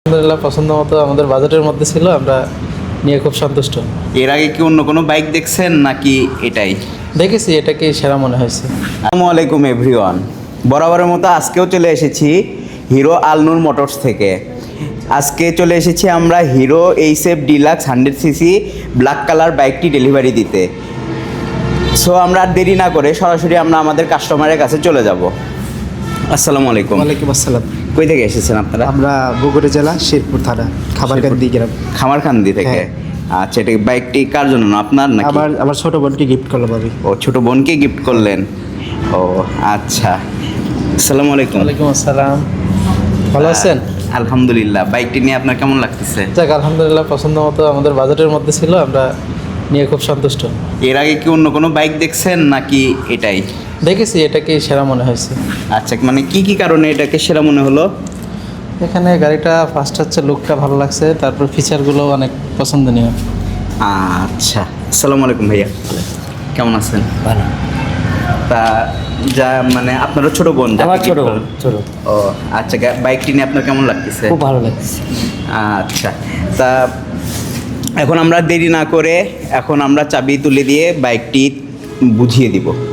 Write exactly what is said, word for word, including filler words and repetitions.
আলহামদুলিল্লাহ পছন্দ মতো আমাদের বাজেটের মধ্যে ছিল, আমরা নিয়ে খুব সন্তুষ্ট। এর আগে কি অন্য কোনো বাইক দেখছেন নাকি এটাই? দেখেছি, এটাকে সেরা মনে হয়েছে। আসসালামু আলাইকুম এভরিওয়ান, বরাবরের মতো আজকেও চলে এসেছি হিরো আলনুর মোটরস থেকে। আজকে চলে এসেছি আমরা Hero HF deluxe hundred CC black colour বাইকটি ডেলিভারি দিতে। সো আমরা আর দেরি না করে সরাসরি আমরা আমাদের কাস্টমারের কাছে চলে যাব। আসসালামু আলাইকুম। ওয়ালাইকুম আসসালাম। কই থেকে এসেছেন আপনারা? আমরা বগুড়া জেলা শেরপুর থানা খাবারকান্দি গ্রাম। খামারকান্দি থেকে। হ্যাঁ। আচ্ছা, এটা বাইকটি কার জন্য, আপনার নাকি? আমার আমার ছোট বোনকে গিফট করলাম আমি। ও, ছোট বোনকে গিফট করলেন। ও আচ্ছা, আসসালামু আলাইকুম। ওয়ালাইকুম আসসালাম। ভালো আছেন? আলহামদুলিল্লাহ। বাইকটি নিয়ে আপনার কেমন লাগতেছে? যাক, আলহামদুলিল্লাহ পছন্দ মতো আমাদের বাজেটের মধ্যে ছিল, আমরা নিয়ে খুব সন্তুষ্ট। এর আগে কি অন্য কোনো বাইক দেখছেন নাকি এটাই? দেখেছি, এটাকে সেরা মনে হয়েছে। আচ্ছা, মানে কি কি কারণে এটাকে সেরা মনে হলো? এখানে গাড়িটা ফার্স্ট হচ্ছে লুকটা ভালো লাগছে, তারপর ফিচারগুলো অনেক পছন্দনীয়। আচ্ছা, আসসালামু আলাইকুম ভাইয়া, কেমন আছেন? ভালো। তা যা মানে আপনারও ছোট বোন? যাকে আমার ছোট gift বোন, করলেন। ছোট। ও আচ্ছা, গা- বাইকটি নিয়ে আপনার কেমন লাগতেছে? খুব ভালো লাগছে। আচ্ছা, তা এখন আমরা দেরি না করে এখন আমরা চাবি তুলে দিয়ে বাইকটি বুঝিয়ে দিব।